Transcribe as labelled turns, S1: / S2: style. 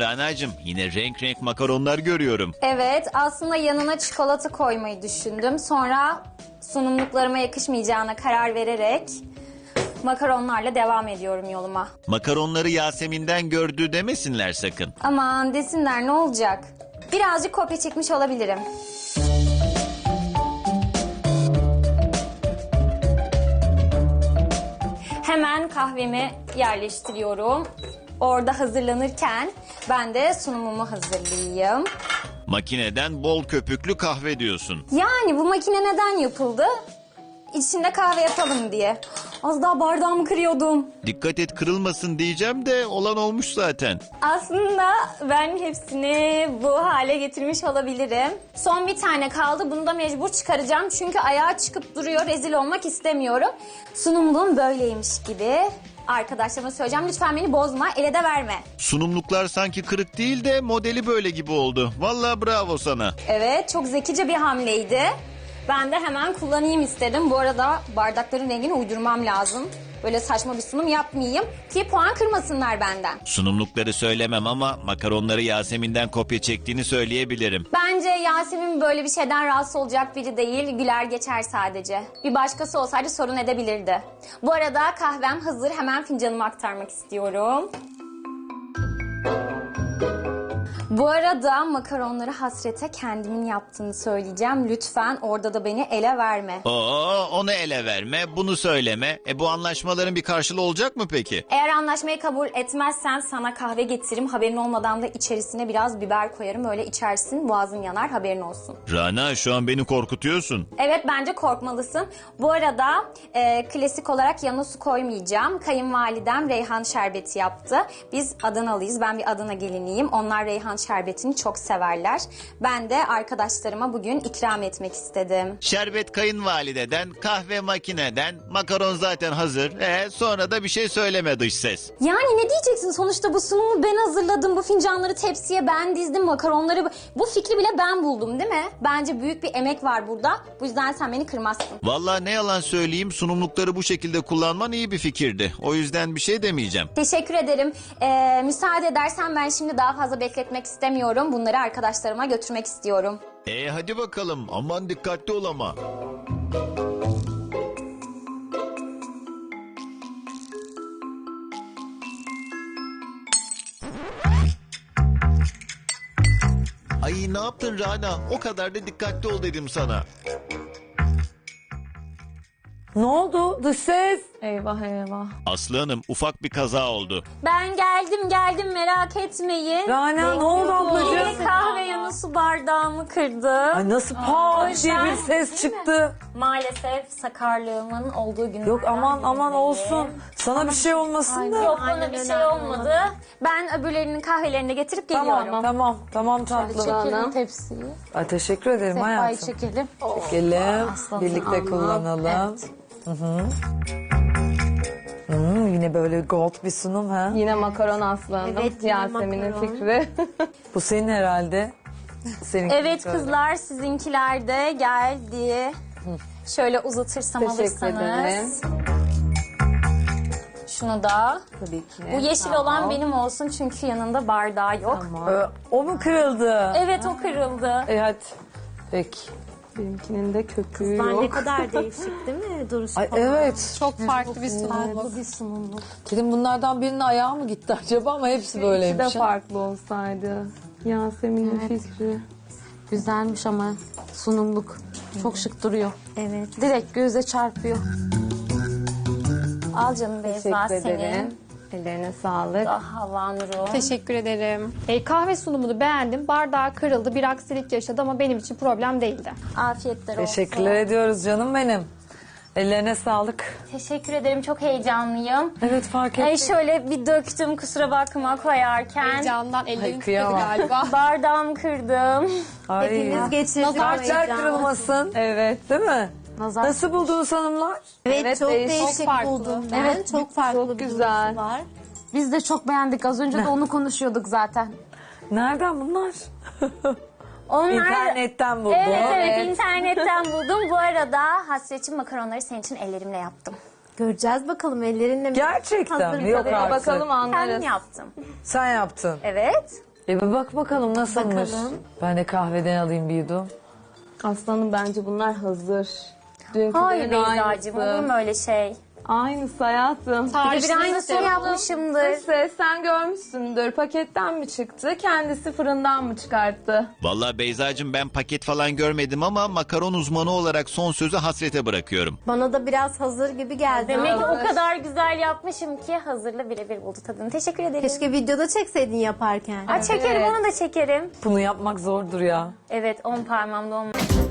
S1: Rana'cığım, yine renk renk makaronlar görüyorum.
S2: Evet, aslında yanına çikolata koymayı düşündüm. Sonra sunumluklarıma yakışmayacağına karar vererek makaronlarla devam ediyorum yoluma.
S1: Makaronları Yasemin'den gördü demesinler sakın.
S2: Aman desinler, ne olacak? Birazcık kopya çekmiş olabilirim. Hemen kahvemi yerleştiriyorum. Orada hazırlanırken ben de sunumumu hazırlayayım.
S1: Makineden bol köpüklü kahve diyorsun.
S2: Yani bu makine neden yapıldı? İçinde kahve yapalım diye. Az daha bardağımı kırıyordum.
S1: Dikkat et kırılmasın diyeceğim de olan olmuş zaten.
S2: Aslında ben hepsini bu hale getirmiş olabilirim. Son bir tane kaldı. Bunu da mecbur çıkaracağım. Çünkü ayağa çıkıp duruyor. Rezil olmak istemiyorum. Sunumluğum böyleymiş gibi. Arkadaşlarıma söyleyeceğim. Lütfen beni bozma. Ele de verme.
S1: Sunumluklar sanki kırık değil de modeli böyle gibi oldu. Vallahi bravo sana.
S2: Evet, çok zekice bir hamleydi. Ben de hemen kullanayım istedim. Bu arada bardakların rengini uydurmam lazım. Böyle saçma bir sunum yapmayayım ki puan kırmasınlar benden.
S1: Sunumlukları söylemem ama makaronları Yasemin'den kopya çektiğini söyleyebilirim.
S2: Bence Yasemin böyle bir şeyden rahatsız olacak biri değil. Güler geçer sadece. Bir başkası olsaydı sorun edebilirdi. Bu arada kahvem hazır. Hemen fincanıma aktarmak istiyorum. Bu arada makaronları Hasret'e kendimin yaptığını söyleyeceğim. Lütfen orada da beni ele verme.
S1: Oo, onu ele verme, bunu söyleme. Bu anlaşmaların bir karşılığı olacak mı peki?
S2: Eğer anlaşmayı kabul etmezsen sana kahve getiririm. Haberin olmadan da içerisine biraz biber koyarım. Öyle içersin, boğazın yanar, haberin olsun.
S1: Rana, şu an beni korkutuyorsun.
S2: Evet, bence korkmalısın. Bu arada klasik olarak yanına su koymayacağım. Kayınvalidem reyhan şerbeti yaptı. Biz Adanalıyız. Ben bir Adana geliniyim. Onlar reyhan şerbetini çok severler. Ben de arkadaşlarıma bugün ikram etmek istedim.
S1: Şerbet kayınvalideden, kahve makineden, makaron zaten hazır. Sonra da bir şey söyleme dış ses.
S2: Yani ne diyeceksin? Sonuçta bu sunumu ben hazırladım. Bu fincanları tepsiye ben dizdim. Makaronları... Bu fikri bile ben buldum, değil mi? Bence büyük bir emek var burada. Bu yüzden sen beni kırmazsın.
S1: Vallahi ne yalan söyleyeyim, sunumlukları bu şekilde kullanman iyi bir fikirdi. O yüzden bir şey demeyeceğim.
S2: Teşekkür ederim. Müsaade edersen ben şimdi daha fazla bekletmek istemiyorum. Bunları arkadaşlarıma götürmek istiyorum.
S1: Hadi bakalım, aman dikkatli ol ama. Ay ne yaptın Rana? O kadar da dikkatli ol dedim sana.
S3: Ne oldu? Dış ses.
S4: Eyvah eyvah.
S1: Aslı Hanım, ufak bir kaza oldu.
S2: Ben geldim merak etmeyin.
S3: Rana ne oldu ablacığım?
S2: Yine kahve yanı su bardağımı kırdı.
S3: Ay nasıl pat diye bir ses çıktı.
S2: Maalesef sakarlığımın olduğu günlerden
S3: Yok aman
S2: birindeyim.
S3: olsun. Sana bir şey olmasın da.
S2: Yok, bana bir şey olmadı. Ben öbürlerinin kahvelerini de getirip geliyorum.
S3: Tamam tatlım.
S4: Çekelim tepsiyi.
S3: Ay, teşekkür ederim
S4: Sehpayı
S3: hayatım.
S4: çekelim.
S3: Çekelim.
S4: Aslanım,
S3: Birlikte
S4: aman.
S3: kullanalım. Yine böyle gold bir sunum ha.
S4: Yine makaron aslanım.
S2: Evet, yine
S4: Yasemin'in
S2: makaron.
S4: fikri.
S3: Bu senin herhalde. Senin
S2: Evet kızlar, sizinkiler de geldi. Şöyle uzatırsam
S4: Teşekkür ederim.
S2: alırsanız. Şunu da.
S4: Tabii ki.
S2: Bu yeşil olan benim olsun çünkü yanında bardağı yok.
S3: O mu kırıldı?
S2: Evet, o kırıldı.
S3: Hadi. Peki.
S4: Benimkinin de köpüğü
S5: Ne
S4: yok.
S5: kadar değişik değil mi duruşu
S3: Ay
S5: falan?
S3: evet.
S4: Çok farklı bir sunum.
S5: Farklı bir sunumluk.
S3: Dedim bunlardan birinin ayağı mı gitti acaba ama hepsi
S4: İkisi de
S3: böyleymiş. ha.
S4: farklı olsaydı. Yasemin'in fikri.
S5: Güzelmiş ama sunumluk. Çok şık duruyor.
S2: Evet.
S5: Direkt göze çarpıyor.
S2: Al canım Beyza,
S4: Teşekkür
S2: senin.
S4: ederim. Ellerine sağlık.
S2: Hava Nur'un.
S6: Teşekkür ederim. Kahve sunumunu beğendim. Bardağı kırıldı. Bir aksilik yaşadı ama benim için problem değildi.
S2: Afiyetler olsun.
S3: Teşekkürler ediyoruz canım benim. Ellerine sağlık.
S2: Teşekkür ederim. Çok heyecanlıyım.
S3: Evet fark ettim.
S2: Şöyle bir döktüm, kusura bakma koyarken.
S6: Heyecandan ellerim titredi
S3: kıyamam.
S6: galiba.
S2: Bardağımı kırdım.
S3: Ay.
S5: Geçirdik
S3: Kalpler kırılmasın.
S4: Evet.
S3: Değil mi?
S5: Nazar.
S3: Nasıl buldunuz hanımlar?
S5: Evet, çok
S4: değişik.
S5: değişik
S6: Çok farklı.
S5: buldum ben.
S4: Evet,
S5: çok farklı
S4: çok
S5: bir
S4: güzel.
S5: duruşu var. Biz de çok beğendik. Az önce de onu konuşuyorduk zaten.
S3: Nereden bunlar?
S2: Onlar...
S3: İnternetten buldum.
S2: Evet, internetten buldum. Bu arada Hasret'cim makaronları senin için ellerimle yaptım.
S5: Göreceğiz bakalım ellerinle mi?
S3: Gerçekten mi? Yok
S5: Hazır.
S3: artık.
S4: Bakalım
S2: Kendim
S4: anlarız.
S2: yaptım.
S3: Sen yaptın.
S2: Evet.
S3: Bir bak bakalım nasılmış.
S4: Bakalım.
S3: Ben de kahveden alayım bir yudum.
S4: Aslanım bence bunlar hazır.
S2: Hayır
S4: Dünkülerin
S2: Beyza'cığım olur mu öyle şey?
S4: Aynısı hayatım.
S2: Bir de aynısını yapmışımdır.
S4: Neyse sen görmüşsündür. Paketten mi çıktı? Kendisi fırından mı çıkarttı?
S1: Vallahi Beyzacığım ben paket falan görmedim ama makaron uzmanı olarak son sözü Hasret'e bırakıyorum.
S7: Bana da biraz hazır gibi geldi.
S2: Demek ki o kadar güzel yapmışım ki hazırla birebir buldu tadını. Teşekkür ederim.
S7: Keşke videoda çekseydin yaparken.
S2: Çekerim, onu da çekerim.
S3: Bunu yapmak zordur ya.
S2: Evet, 10 parmağımda olmaz.